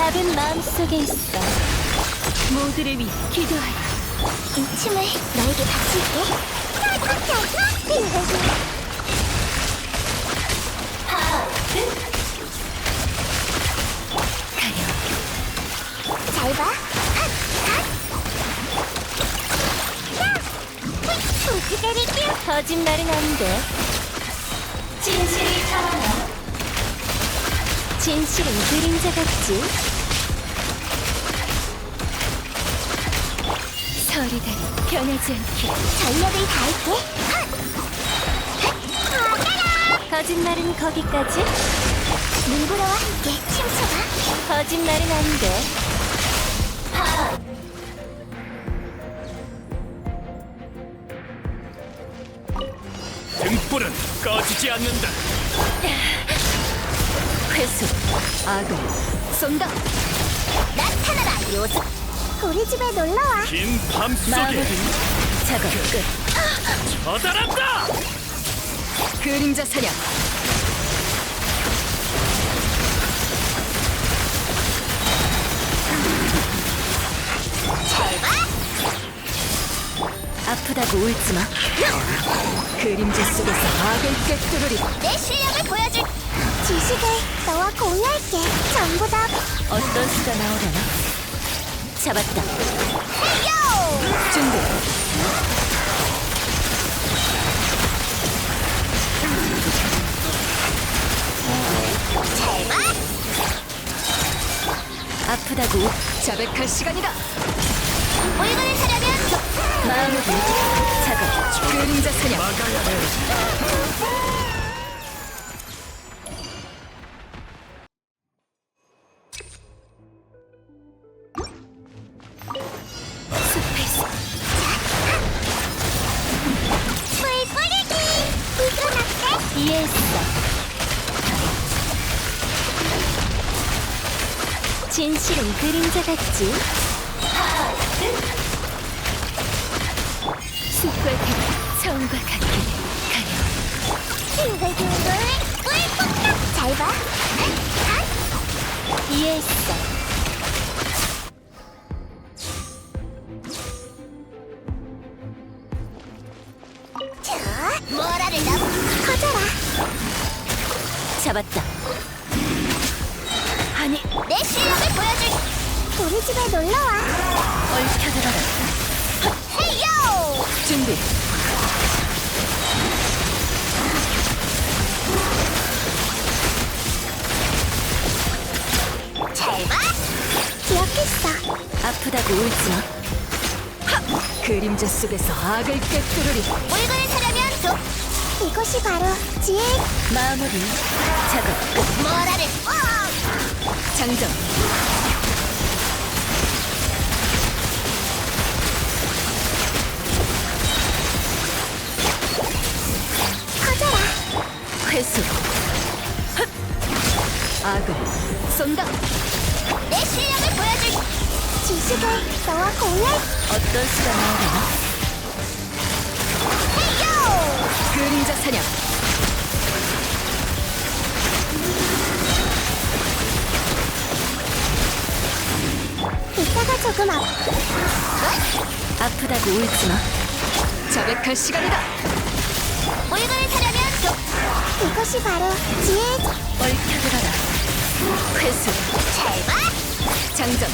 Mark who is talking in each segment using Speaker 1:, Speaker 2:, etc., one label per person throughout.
Speaker 1: 답은 마음속에 있어. 모두를 위해 기도하라.
Speaker 2: 이 춤을 너에게 바칠게. 잘 봐. 기다릴게요.
Speaker 1: 거짓말은 안 돼.
Speaker 2: 진실이 살아나.
Speaker 1: 진실은 그림자 같지. 서리다리 변하지 않게.
Speaker 2: 전력을 다할게.
Speaker 1: 거짓말은 거기까지.
Speaker 2: 눈보라와 함께 춤춰봐.
Speaker 1: 거짓말은 안 돼.
Speaker 3: 등불은 꺼지지 않는다.
Speaker 1: 회수. 악을 쏜다.
Speaker 2: 나타나라 요즘. 우리 집에 놀러와.
Speaker 3: 긴 밤
Speaker 1: 마무리.
Speaker 3: 속에
Speaker 1: 작업 끝.
Speaker 3: 처단한다.
Speaker 1: 그림자 사냥.
Speaker 2: 잘 봐.
Speaker 1: 아프다고 울지 마. 그림자 속에서 악을 꿰뚫으리.
Speaker 2: 내 실력을 보여줄. 지식을 너와 공유할게. 전부 다.
Speaker 1: 어떤 수가 나오려나? 잡았다.
Speaker 2: 요!
Speaker 1: 준비.
Speaker 2: 잘 봐.
Speaker 1: 아프다고 자백할 시간이다.
Speaker 2: 물건을 사려면
Speaker 1: 마무리. 작업. 그림자 사냥.
Speaker 3: 막아야 해.
Speaker 1: 숲에서
Speaker 2: 물 뿌리기. 이건 어때?
Speaker 1: 이해했어. 진실은 그림자 같지. 숲과 길, 처음과 같길 가려.
Speaker 2: 빙글빙글 꿀꺽떡. 잘 봐.
Speaker 1: 이해했어.
Speaker 2: 자, 모라를 넘. 커져라.
Speaker 1: 잡았다. 아니,
Speaker 2: 내 실력을 보여줄. 우리 집에 놀러와.
Speaker 1: 얽혀들어라.
Speaker 2: 헤이요!
Speaker 1: 준비.
Speaker 2: 잘 봐. 기억했어.
Speaker 1: 아프다고 울지 마. 그림자 속에서 악을 꿰뚫으리.
Speaker 2: 물건을 사려면 도. 이것이 바로 지혜의
Speaker 1: 마무리. 작업 끝.
Speaker 2: 모라를 꽉.
Speaker 1: 장전.
Speaker 2: 커져라.
Speaker 1: 회수. 흡. 악을 쏜다.
Speaker 2: 내 실력을 보여줄. 지식을 너와 공유할.
Speaker 1: 어떤 수가 나오려나?
Speaker 2: 헤이요!
Speaker 1: 그림자 사냥.
Speaker 2: 이따가 조금
Speaker 1: 아프다고 울지 마. 자백할 시간이다.
Speaker 2: 물건을 사려면 도. 이것이 바로 지혜의
Speaker 1: 얽혀들어라. 회수.
Speaker 2: 잘 봐.
Speaker 1: 장전.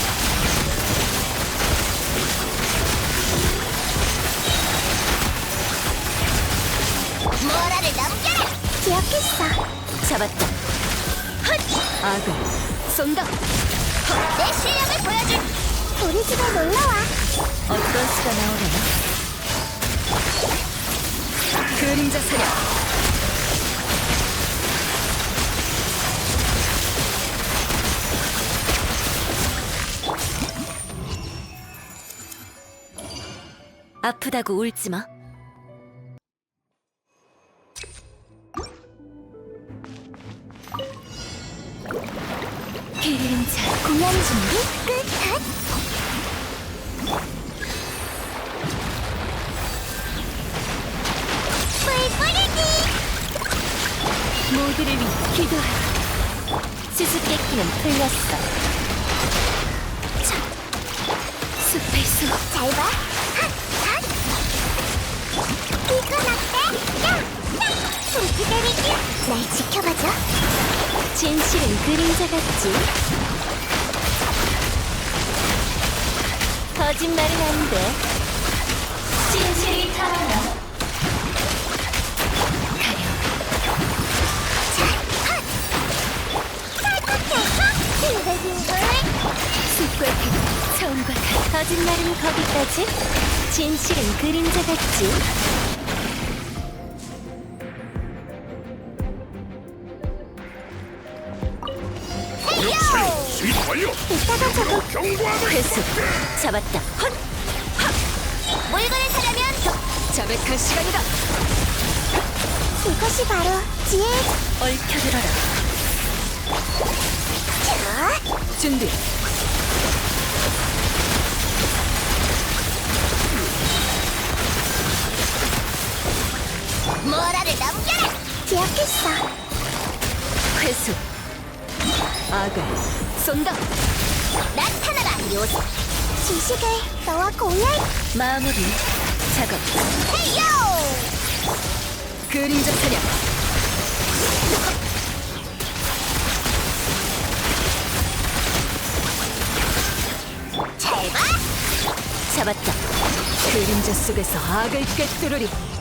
Speaker 2: 모라를 넘겨라. 기억했어.
Speaker 1: 잡았다. 악을 쏜다.
Speaker 2: 내 실력을 보여줄. 우리 집에 놀러와.
Speaker 1: 어떤 수가 나오려나? 그림자 사냥. 아프다고 울지 마. 그림자.
Speaker 2: 공연 준비 끝. 물 뿌리기.
Speaker 1: 모두를 위해 기도하라. 수수께끼는 풀렸어.
Speaker 2: 잘 봐. 핫! 이건 어때? 야! 불 때리기. 날 지켜봐줘. 진실은 그림자 같지. 거짓말은 안 돼. 진실이 타올라. 숲과 그 처음과 같 거짓말은 거기까지. 진실은 그림자 같지. 헤이요!
Speaker 3: 스윗 완료.
Speaker 2: 이따가 저거
Speaker 3: 경고함을
Speaker 1: 회수. 잡았다. 헛!
Speaker 2: 물건을 사려면
Speaker 1: 자백할 시간이다.
Speaker 2: 이것이 바로 지혜의
Speaker 1: 얽혀들어라.
Speaker 2: 자,
Speaker 1: 준비.
Speaker 2: 모라를 넘겨라. 기억했어.
Speaker 1: 회수. 악을 쏜다.
Speaker 2: 나타나라 요새. 지식을 너와 공유할.
Speaker 1: 마무리. 작업.
Speaker 2: 헤이요!
Speaker 1: 그림자 사냥.
Speaker 2: 잘 봐.
Speaker 1: 잡았다. 그림자 속에서 악을 꿰뚫으리.